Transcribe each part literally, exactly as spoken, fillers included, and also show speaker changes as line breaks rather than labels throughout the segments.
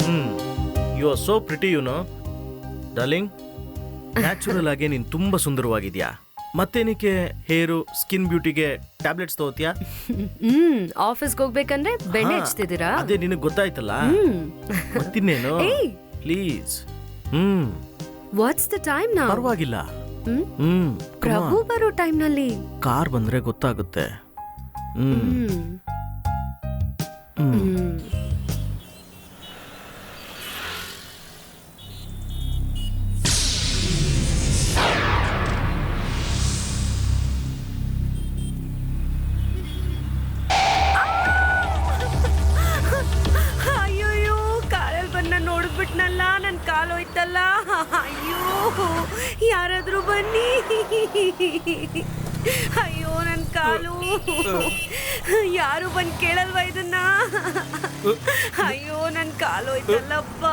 Hmm you are so pretty you know darling. Natural ಆಗಿ ನೀನು ತುಂಬಾ ಸುಂದರವಾಗಿದ್ಯಾ. ಮತ್ತೇನಕ್ಕೆ ಹೇರು ಸ್ಕಿನ್ ಬ್ಯೂಟಿಗೆ ಟ್ಯಾಬ್ಲೆಟ್ಸ್ ತಗೋತಿಯಾ?
ಹ್ಮ್ ಆಫೀಸ್ಗೆ ಹೋಗ್ಬೇಕಂದ್ರೆ ಬೆಣ್ಣೆ ಹಚ್ತಿದ್ದೀರಾ?
ಅದೇ ನಿನಗೆ ಗೊತ್ತಾಯ್ತಲ್ಲ. ಮತ್ತಿನ್ನೇನು please. Hmm
what's the time now?
ಪರವಾಗಿಲ್ಲ.
ಹ್ಮ್
ಹ್ಮ್
ಪ್ರಭು ಬರೋ ಟೈಮ್ ನಲ್ಲಿ
ಕಾರ್ ಬಂದ್ರೆ ಗೊತ್ತಾಗುತ್ತೆ. ಹ್ಮ್
ಹ್ಮ್ ಹ್ಮ್ ಅಯ್ಯೋ ಕಾರಲ್ಲಿ ಬಂದ ನೋಡ್ಬಿಟ್ನಲ್ಲ, ನನ್ ಕಾಲು ಹೋಯ್ತಲ್ಲ. ಅಯ್ಯೋ ಯಾರಾದ್ರೂ ಬನ್ನಿ. ಅಯ್ಯೋ ನನ್ ಕಾಲು. ಯಾರು ಬಂದ್ ಕೇಳಲ್ವಾ ಇದನ್ನ? ಅಯ್ಯೋ ನನ್ ಕಾಲು ಹೋಯ್ತಲ್ಲಪ್ಪ.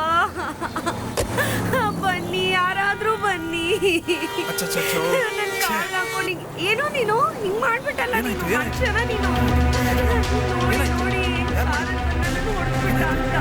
ಬನ್ನಿ ಯಾರಾದ್ರೂ ಬನ್ನಿ. ನನ್ ಕಾಲ್ ಹಾಕೊಂಡು ಏನೋ ನೀನು ಹಿಂಗ್ ಮಾಡ್ಬಿಟ್ಟಲ್ಲ. ನೀನು ಮನುಷ್ಯನ ನೀನು. ನೋಡಿ ನೋಡಿ ಕಾರಲ್ಲಿ ಬಂದಲ್ಲ ನೋಡ್ಬಿಟ್ಟ ಅಂತ.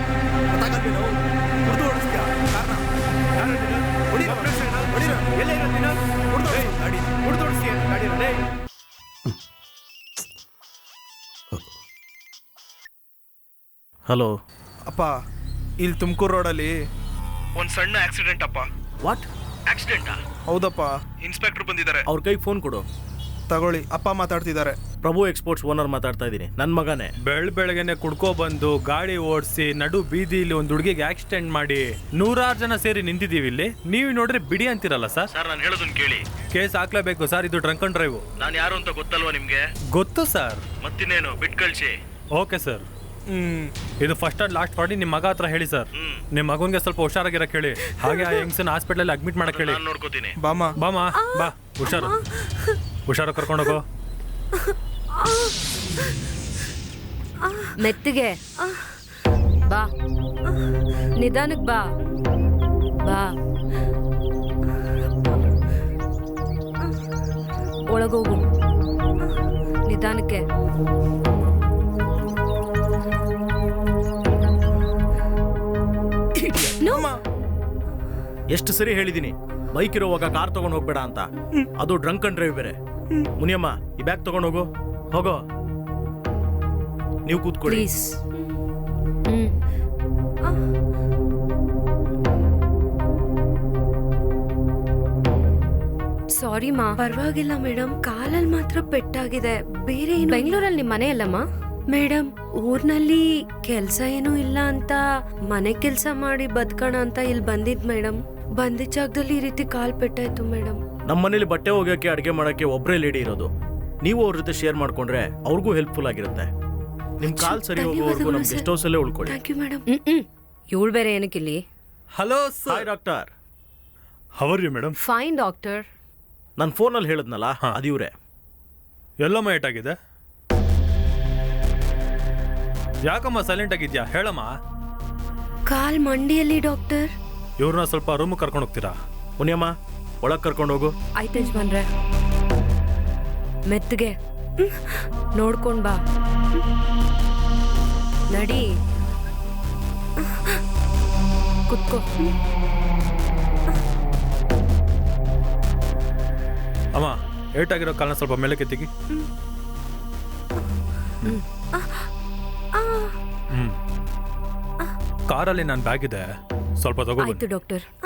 ಹಲೋ
ಅಪ್ಪ, ಇಲ್ಲಿ ತುಮಕೂರು ರೋಡಲ್ಲಿ ಒಂದು ಸಣ್ಣ ಆಕ್ಸಿಡೆಂಟ್ ಅಪ್ಪ.
ವಾಟ್
ಆಕ್ಸಿಡೆಂಟಾ? ಹೌದಪ್ಪ, ಇನ್ಸ್ಪೆಕ್ಟರ್ ಬಂದಿದ್ದಾರೆ.
ಅವ್ರ ಕೈಗೆ ಫೋನ್ ಕೊಡು.
ತಗೊಳ್ಳಿ, ಅಪ್ಪ ಮಾತಾಡ್ತಿದ್ದಾರೆ.
ಪ್ರಭು ಎಕ್ಸ್ಪೋರ್ಟ್ಸ್ ಓನರ್ ಮಾತಾಡ್ತಾ ಇದ್ದೀನಿ. ನನ್ನ ಮಗನೇ.
ಬೆಳ್ ಬೆಳಗ್ಗೆನೆ ಕುಡ್ಕೋ ಬಂದು ಗಾಡಿ ಓಡಿಸಿ ನಡು ಬೀದಿಲಿ ಒಂದು ಹುಡುಗಿಗೆ ಆಕ್ಸಿಡೆಂಟ್ ಮಾಡಿ ನೂರಾರು ಜನ ಸೇರಿ ನಿಂತಿದ್ದೀವಿ ಇಲ್ಲಿ. ನೀವು ನೋಡ್ರೆ ಬಿಡಿ ಅಂತಿರಲ್ಲ ಸರ್.
ಸರ್ ನಾನು ಹೇಳೋದನ್ನ ಕೇಳಿ.
ಕೇಸ್ ಹಾಕ್ಲೇಬೇಕು ಸರ್, ಇದು ಡ್ರಂಕ್ ಅಂಡ್ ಡ್ರೈವ್.
ನಾನು ಯಾರು ಅಂತ ಗೊತ್ತಲ್ವಾ ನಿಮ್ಗೆ?
ಗೊತ್ತು ಸರ್.
ಮತ್ತಿನ್ನೇನು ಬಿಟ್ ಕಳ್ಸಿ.
Okay sir.
ಹ್ಮ್
ಇದು ಫಸ್ಟ್ ಅಂಡ್ ಲಾಸ್ಟ್ ಮಾಡಿ ನಿಮ್ಮ ಮಗ ಹತ್ರ ಹೇಳಿ ಸರ್. ನಿಮ್ಮ ಮಗನ್ಗೆ ಸ್ವಲ್ಪ ಹುಷಾರಾಗಿರಕ್ಕೆ ಹೇಳಿ. ಹಾಗೆ ಆ ಹೆಂಗ್ಸನ್ ಹಾಸ್ಪಿಟಲ್ ಅಡ್ಮಿಟ್ ಮಾಡಕ್ ಹೇಳಿ.
ನಾನು ನೋಡ್ಕೋತೀನಿ.
ಬಾಮ
ಬಾಮ ಬಾ, ಹುಷಾರು ಹುಷಾರು ಕರ್ಕೊಂಡೋಗೋ.
ಮೆತ್ತಿಗೆ ಬಾ, ನಿಧಾನಕ್ ಬಾ ಬಾ. ಒಳಗೋಗು ನಿಧಾನಕ್ಕೆ.
ಎಷ್ಟು ಸರಿ ಹೇಳಿದೀನಿ ಬೈಕ್ ಇರೋವಾಗ ಕಾರ್ ತಗೊಂಡು ಹೋಗ್ಬೇಡ ಅಂತ. ಅದು ಡ್ರಂಕ್ ಅಂಡ್ ಡ್ರೈವ್ ಬೇರೆ. ಮುನಿಯಮ್ಮ ಈ ಬ್ಯಾಗ್ ತಗೊಂಡು ಹೋಗೋ. ಹೋಗೋ, ನೀವು ಕೂತ್ಕೊಳ್ಳಿ.
ಪ್ಲೀಸ್. ಹ್ಮ್ ಸಾರಿ ಮಾ. ಪರವಾಗಿಲ್ಲ ಮೇಡಮ್, ಕಾಲಲ್ಲಿ ಮಾತ್ರ ಪೆಟ್ಟಾಗಿದೆ, ಬೇರೆ ಏನು. ಬೆಂಗಳೂರಲ್ಲಿ ನಿಮ್ಮ ಮನೆ ಅಲ್ಲಮ್ಮ? ಮೇಡಮ್, ಊರ್ನಲ್ಲಿ ಕೆಲ್ಸ ಏನೂ ಇಲ್ಲ ಅಂತ ಮನೆ ಕೆಲ್ಸ ಮಾಡಿ ಬದುಕೋಣ ಅಂತ ಇಲ್ಲಿ ಬಂದಿದ್ ಮೇಡಮ್. ಬಂದಿದ್ದ ಜಾಗದಲ್ಲಿ ಈ ರೀತಿ ಕಾಲ್ ಪೆಟ್ಟಾಯ್ತು ಮೇಡಮ್.
ನಮ್ಮ ಮನೇಲಿ ಬಟ್ಟೆ ಹೋಗಕ್ಕೆ ಅಡುಗೆ ಮಾಡಕ್ಕೆ ಒಬ್ಬರೇ ಲೇಡಿ ಇರೋದು. ನೀವು ಅವ್ರ ಜೊತೆ ಶೇರ್ ಮಾಡ್ಕೊಂಡ್ರೆ ಅವ್ರಿಗೂ ಹೆಲ್ಪ್ಫುಲ್ ಆಗಿರುತ್ತೆ. ನಿಮ್ ಕಾಲ್ ಸರಿ ಹೋಗೋವರೆಗೂ ನಮ್ ಗೆಸ್ಟ್ ಹೌಸ್ ಅಲ್ಲೇ ಉಳ್ಕೊಳ್ಳಿ.
Thank you madam. ಇವಳು ಬೇರೆ ಏನಕ್ಕಿಲ್ಲಿ?
Hello
hi
sir.
Doctor.
How are you madam?
Fine doctor.
ನಾನು ಫೋನಲ್ಲಿ ಹೇಳಿದ್ನಲ್ಲ, ಅದು ಇವ್ರೆ.
ಎಲ್ಲಮ್ಮ ಏಟಾಗಿದೆ? ಯಾಕಮ್ಮ ಸೈಲೆಂಟ್ ಆಗಿದ್ಯಾ? ಹೇಳಮ್ಮ.
ಕಾಲ್ ಮಂಡಿಯಲ್ಲಿ ಡಾಕ್ಟರ್.
ಇವ್ರನ್ನ ಸ್ವಲ್ಪ ರೂಮ್ ಕರ್ಕೊಂಡು ಹೋಗ್ತೀರಾ?
ಮುನಿಯಮ್ಮ ಒಳಗ್ ಕರ್ಕೊಂಡು ಹೋಗು.
ಆಯ್ತು ಯಜಮಾನ್ರೆ. ಮೆತ್ತಗೆ ನೋಡ್ಕೊಂಡ್ ಬಾ. ನಡಿ, ಕುತ್ಕೋ.
ಅಮ್ಮ, ಏಟಾಗಿರೋ ಕಾಲನ ಸ್ವಲ್ಪ ಮೇಲೆ ಕೆತ್ತಿಗಿ. ಹ್ಮ್ ಕಾರಲ್ಲಿ ನನ್ನ ಬ್ಯಾಗ್ ಇದೆ, ಸ್ವಲ್ಪ ತಗೋ.
ಆಯ್ತು ಡಾಕ್ಟರ್.